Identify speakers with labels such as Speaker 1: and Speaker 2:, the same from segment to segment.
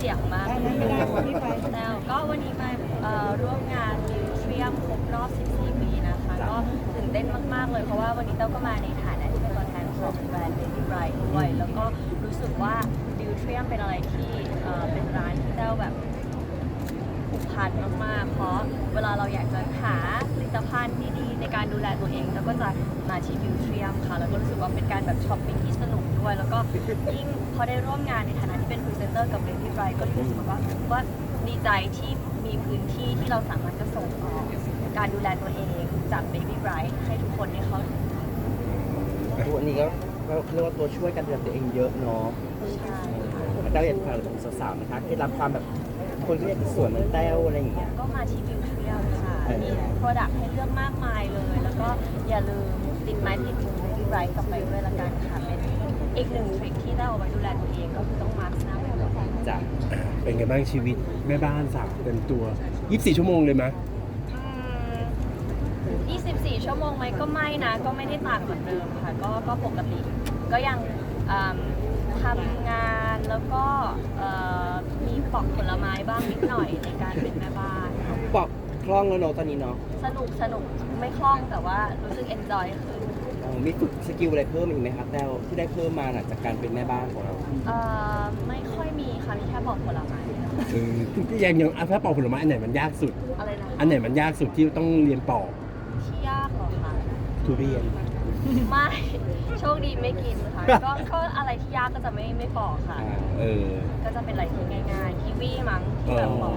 Speaker 1: สียงมากแล้วก็วันนี้มาร่วมงานมิวเทียมครบรอบ 14 ปีนะคะก็ตื่นเต้นมากๆเลยเพราะว่าวันนี้เต้าก็มาในฐานะที่เป็นตัวแทนของแบรนด์ Baby Bright ด้วยแล้วก็รู้สึกว่ามิวเทียมเป็นอะไรที่เป็นร้านที่เต้าแบบผูกพันมากๆเพราะเวลาเราอยากจะหาผลิตภัณฑ์ดีๆในการดูแลตัวเองแล้วก็จะมาที่มิวเทียมค่ะแล้วก็รู้สึกว่าเป็นการแบบช้อปปิ้งที่สนุกด้วยแล้วก็ยิ่งพอได้ร่วมงานในฐานะที่เป็นพรีเซนเตอร์กับ Baby Bright ก็รู้สึกว่าดีใจที่มีพื้นที่ที่เราสามารถจะส่งออกการดูแลตัวเองจาก Baby Bright ให้ทุกคนได้เข้าถึง
Speaker 2: ตัวนี้ก็เรียกว่าตัวช่วยการดูแลตัวเองเยอะเนาะ
Speaker 1: ใช่
Speaker 2: แต้วอยากฝากอะไรถึงสาวๆนะคะเคล็ดลับความแบบคนที่อยากจะสวยเหมือนแต้วอะไรอย่างเงี้ย
Speaker 1: ก็มาที่มิวเทียมค่ะมีโปรดักต์ให้เลือกมากมายเลย แล้วก็อย่าลืมติดไม้ติดมือ Baby Bright กลับไปด้วยละกันค่ะเป็นอีกหนึ่งทริคที่ได้เอาไว้ดูแลตัวเองก็คือต้องมาร์คหน้าบ่อยๆ
Speaker 2: จ้ะ
Speaker 3: เป็นไงบ้างชีวิตแม่บ้านสาวเต็มตัว 24 ชั่วโมงเลยไหม
Speaker 1: 24 ชั่วโมงไหมก็ไม่นะ ก็ไม่ได้ต่างเหมือนเดิมค่ะ ก็ปกติ ก็ยังทำงานแล้วก็มีปอกผลไม้บ้างนิดหน่อยในการเป็นแม่บ้าน
Speaker 2: ปอกคล่องแล้วเนาะตอนนี้เนาะ
Speaker 1: สนุกไม่คล่องแต่ว่ารู้สึก enjoy คือ
Speaker 2: มีฝึกสกิลอะไรเพิ่มอีกไหมครับแต้วที่ได้เพิ่มมาหลังจากการเป็นแม่บ้านของเรา
Speaker 1: ไม่ค่อยมีค่ะมีแค่ปอกผลไม้
Speaker 3: ยังถ้าปอกผลไม้อันไหนมันยากสุด
Speaker 1: อะไรนะ
Speaker 3: อันไหนมันยากสุดที่ต้องเรียนปอก
Speaker 1: ที่ยากเหรอคะ
Speaker 3: ทุเรียน
Speaker 1: ไม่โชคดีไม่กินค่ะก็อะไรที่ยากก็จะไม่ปอกค่ะ
Speaker 3: เออ
Speaker 1: ก็จะเป็นอะไรที่ง่ายๆกีวีมั้งที่แบบปอก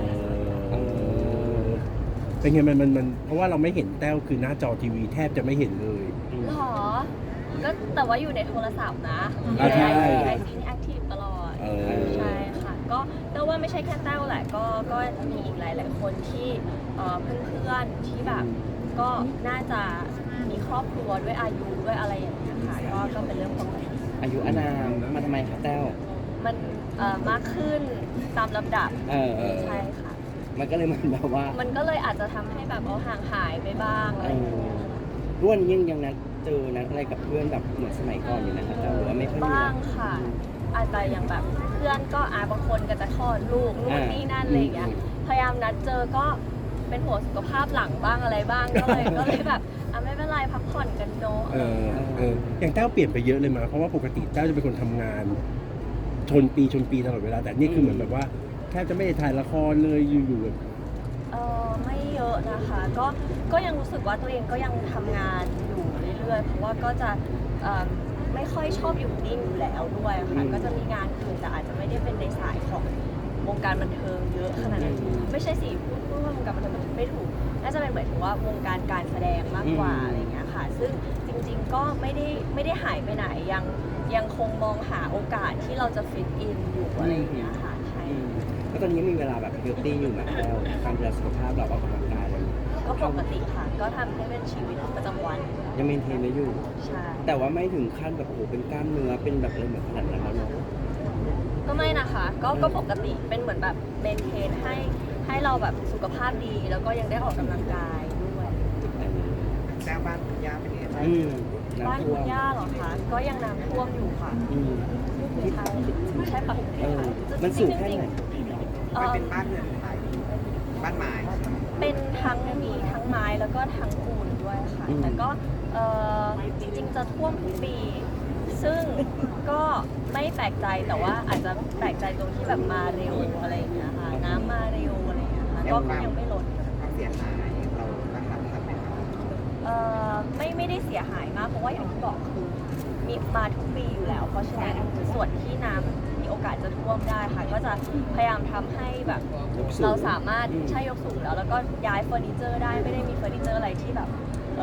Speaker 3: เป็นไงมันเพราะว่าเราไม่เห็นแต้วคือหน้าจอทีวีแทบจะไม่เห็นเลย
Speaker 1: หรอ ก็แต่ว่าอยู่ในโทรศัพท์นะ
Speaker 3: ใช่
Speaker 1: ไอจีนี่แอคทีฟตลอด ใช่ค่ะ ก็เต้าว่าไม่ใช่แค่แต้วแหละ ก็มีอีกหลายๆคนที่เพื่อนๆที่แบบก็น่าจะมีครอบครัวด้วยอายุด้วยอะไรอย่างเงี้ยค่ะ ก็เป็นเรื่องปกติ
Speaker 2: อายุอานามมาทำไมครับแต้ว
Speaker 1: มันมากขึ้นตามลำดับ ใช่ค่ะ
Speaker 2: มันก็เลยมันแบบว่า
Speaker 1: มันก็เลยอาจจะทำให้แบบห่างหายไปบ้างอะไรอย่างเงี้ย
Speaker 2: ร่วนยังนัดเจอนัดอะไรกับเพื่อนแบบเหมือนสมัยก่อนอยู่นะครับแต้วหรือว่าไม่ค่อยมี
Speaker 1: บ้างค่ะ อาจจะอย่างแบบเพื่อนก็บางคนก็จะคลอดลูกนู่นนี่นั่นอะไรอย่างเงี้ย พยายามนัดเจอก็เป็นห่วงสุขภาพหลังบ้างอะไรบ้าง ก็เลยแบบไม่เป็นไรพักผ่อนกันเนาะ
Speaker 3: อย่างแต้วเปลี่ยนไปเยอะเลยมั้ยเพราะว่าปกติแต้วจะเป็นคนทำงานชนปีตลอดเวลาแต่นี่คือเหมือนแบบว่าแทบจะไม่ได้ถ่ายละครเลยอยู่ๆแบบ
Speaker 1: ไม่เยอะนะคะ ก็ยังรู้สึกว่าตัวเองก็ยังทำงานอยู่เรื่อยๆ เพราะว่าก็จะไม่ค่อยชอบอยู่นิ่งอยู่แล้วด้วยค่ะ ก็จะมีงานอื่นแต่อาจจะไม่ได้เป็นในสายของวงการบันเทิงเยอะขนาดนั้นไม่ใช่สิพูดว่าวงการบันเทิงมันไม่ถูก น่าจะเป็นหมายถึงว่าวงการการแสดงมากกว่าอะไรอย่างเงี้ยค่ะ ซึ่งจริงๆก็ไม่ได้หายไปไหนยังคงมองหาโอกาสที่เราจะฟิตอินอยู่อะไรอย่างเงี้ยค่ะใช่
Speaker 2: ก็ตอนนี้มีเวลาแบบเฮลตี้อยู่นะแต้วการดูแลสุขภาพเราออกกำลังกายอะไรอย่างเงี้ย
Speaker 1: ก็ปกติค่ะ ก็ทำให้เป็นชีวิตประจำวัน
Speaker 2: ยังเมนเทนไว้อยู่
Speaker 1: ใช่
Speaker 2: แต่ว่าไม่ถึงขั้นแบบโอ้โหเป็นกล้ามเนื้อเป็นแบบอะไรเหมือนขนาดนั้นแล้วเนาะ
Speaker 1: ก็ไม่นะคะ ก็ปกติเป็นเหมือนแบบเมนเทนให้เราแบบสุขภาพดี แล้วก็ยังได้ออกกำลังกายด้วย
Speaker 4: แจ้งบ้านคุณย่าเป็นไงบ้าง
Speaker 1: บ้าน
Speaker 2: น้ำท่
Speaker 1: คุ
Speaker 2: ว
Speaker 1: ณ
Speaker 2: ม
Speaker 1: ย่าเหรอคะ ก็ยังน้ำท่วมอยู่ค่ะ
Speaker 2: อืม
Speaker 1: ใช่ใช่ปะ
Speaker 2: มันสูงแค่ไหน
Speaker 4: มันเป็นบ้านเรือนไทยบ้านไม้
Speaker 1: เป็นทั้งมีทั้งไม้แล้วก็ทั้งปูนด้วยค่ะ แต่ก็จริงๆจะท่วมทุกปี ซึ่งก็ไม่แปลกใจแต่ว่าอาจจะแปลกใจตรงที่แบบมาเร็วอะไรอย่างเงี้ยค่ะ น้ำมาเร็วอะไรอย่างเงี้ยค่ะก็ยังไม่ลด
Speaker 4: ความเสียหายเราตั้งรับทันไหมครับ
Speaker 1: ไม่ได้เสียหายมากเพราะว่าอย่างที่บอกคือมีมาทุกปีอยู่แล้ว เพราะฉะนั้นส่วนที่น้ำมีโอกาสจะท่วมได้ค่ะ ก็จะพยายามทำให้แบบเราสามารถใช้ยกสูงแล้วก็ย้ายเฟอร์นิเจอร์ได้ไม่ได้มีเฟอร์นิเจอร์อะไรที่แบบ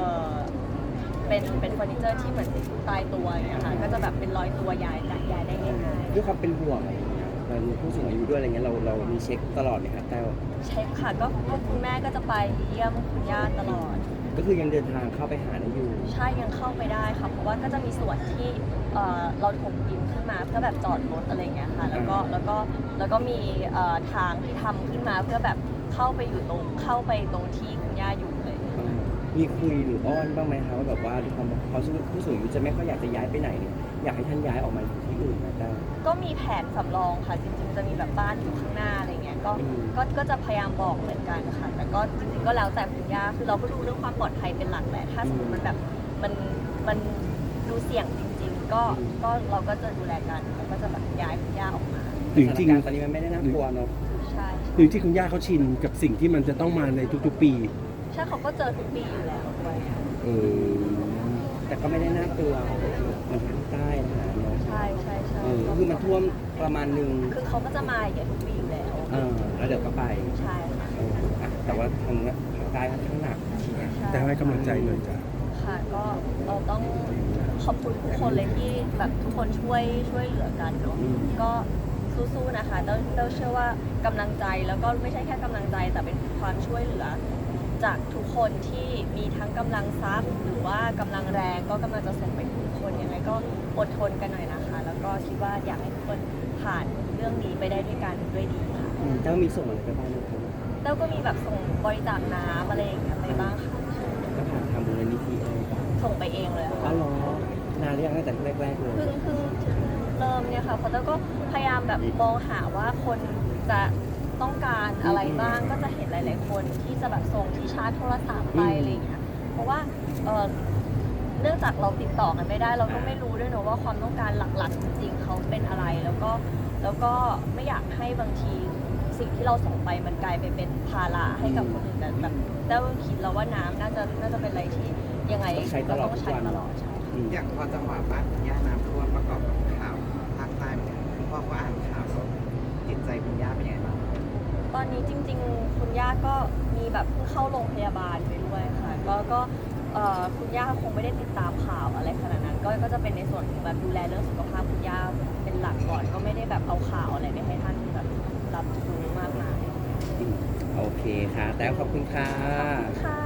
Speaker 1: เป็นเฟอร์นิเจอร์ที่เหมือนตายตัวอย่างเงี้ยค่ะก็จะแบบเป็นร้อยตัวย้ายได้ง่ายๆ
Speaker 2: ด้วยความเป็นห่วงมันผู้สูงอายุด้วยอะไรเงี้ยเรามีเช็คตลอดเลยครับแต้ว
Speaker 1: เช็คค่ะก็คุณแม่ก็จะไปเยี่ยมคุณย่าตลอด
Speaker 2: ก็คือยังเดินทางเข้าไปหาได้อยู่
Speaker 1: ใช่ยังเข้าไปได้ค่ะเพราะว่าก็จะมีส่วนที่เราถมดินขึ้นมาเพื่อแบบจอดรถอะไรเงี้ยค่ะแล้วก็มีทางที่ทำขึ้นมาเพื่อแบบเข้าไปตรงที่คุณย่าอยู่เลย
Speaker 2: มีคุยหรืออ้อนบ้างไหมคะว่าแบบว่าด้วยความเขาผู้สูงอายุจะไม่ค่อยอยากจะย้ายไปไหนเนี่ยอยากให้ท่านย้ายออกมาอยู่ที่อื่นนะแต้ว
Speaker 1: ก็มีแผนสำรองค่ะจริงๆจะมีแบบบ้านอยู่ข้างหน้าอะไรเงี้ยก็
Speaker 2: อืม
Speaker 1: ก็จะพยายามบอกเหมือนกันค่ะแต่ก็จริงๆก็แล้วแต่คุณย่าคือเราก็ดูเรื่องความปลอดภัยเป็นหลักแหละถ้าสมมติมันแบบมันดูเสี่ยงจริงๆก็เราก็จะดูแลกันแล้วก็จะแบบย้ายคุณย่าออกมา
Speaker 3: หรือจริง
Speaker 2: สถานการณ์ตอนนี้มันไม่ได้น่ากลัวเนาะ
Speaker 1: ใช่
Speaker 3: หรือที่คุณย่าเขาชินกับสิ่งที่มันจะต้องมาในทุกๆปี
Speaker 1: ใช่เขาก็เจอทุกปีอยู่แล้วด้วย
Speaker 3: เออ
Speaker 2: แต่ก็ไม่ได้น่ากลัวมันทางใต้นะเนาะ
Speaker 1: ใช่ใช่ใช่
Speaker 2: คือมันท่วมประมาณนึง
Speaker 1: คือเขาก็จะมาอย่างเงี้ยทุกปีอยู่แล้ว
Speaker 2: แล้วเดี๋ยวก็ไป
Speaker 1: ใช่ค่ะ
Speaker 2: แต่ว่าทางใต้ค่อนข้างหนัก
Speaker 1: ใช่
Speaker 3: แต่ให้กำลังใจหน่อยจ้ะ
Speaker 1: ค่ะก็เราต้องขอบคุณทุกคนเลยที่แบบทุกคนช่วยเหลือกันเนาะ
Speaker 2: อืม
Speaker 1: ก็สู้ๆนะคะเราเชื่อว่ากำลังใจแล้วก็ไม่ใช่แค่กำลังใจแต่เป็นความช่วยเหลือ จากทุกคนที่มีทั้งกำลังทรัพย์หรือว่ากำลังแรงก็กำลังจะส่งไปถึงทุกคนยังไงก็อดทนกันหน่อยนะคะ แล้วก็คิดว่าอยากให้ทุกคนผ่านเรื่องนี้ไปได้ด้วยกันด้วยดีค่ะ
Speaker 2: เจ้ามีส่งอะไรไปบ้างไหมครับ
Speaker 1: แล้วก็มีแบบส่งบริจาคน้ำอะไรอย่างเงี้ยไปบ้างค่ะ
Speaker 2: ก็ผ่านทางมูลนิธิอะไรบ้าง
Speaker 1: ส่งไปเองเลย
Speaker 2: อ๋
Speaker 1: ค่ะ
Speaker 2: อเหรอนานหรือยังตั้งแต่แรกๆเลย
Speaker 1: เพิ่งเริ่มเนี่ยค่ะเพราะแล้วก็พยายามแบบมองหาว่าคนจะต้องการอะไรบ้างก็จะเห็นหลาย ๆ คนที่จะแบบส่งที่ชาร์จโทรศัพท์ไปอะไรอย่างเงี้ยเพราะว่าเนื่องจากเราติดต่อกันไม่ได้เราก็ไม่รู้ด้วยเนอะว่าความต้องการหลัก ๆ จริง ๆ เขาเป็นอะไรแล้วก็ไม่อยากให้บางทีสิ่งที่เราส่งไปมันกลายไปเป็นภาระให้กับคนอื่นแต่แบบแต่ว่าคิดแล้วว่าน้ำน่าจะเป็นอะไรที่ยังไงเราต้องใช้ตลอดใช่
Speaker 4: อย่างพอจังหวะบ้านคุณย่าน้ำท่วมประกอบกับข่าวภาคใต้เนี่ยคุณพ่อก็อ่านข่าวแล้วจิตใจคุณย่าเป็นยังไงบ้าง
Speaker 1: ตอนนี้จริงๆ คุณย่าก็มีแบบเพิ่งเข้าโรงพยาบาลไปด้วยค่ะก็คุณย่าคงไม่ได้ติดตามข่าวอะไรขนาดนั้น ก็จะเป็นในส่วนของแบบดูแลเรื่องสุขภาพคุณย่าเป็นหลักก่อนก็ไม่ได้แบบเอาข่าวอะไรไปให้ท่านแบบรับรู้มากมาย
Speaker 2: โอเคค่ะ แต่ขอบคุณค่ะ
Speaker 1: ค่ะ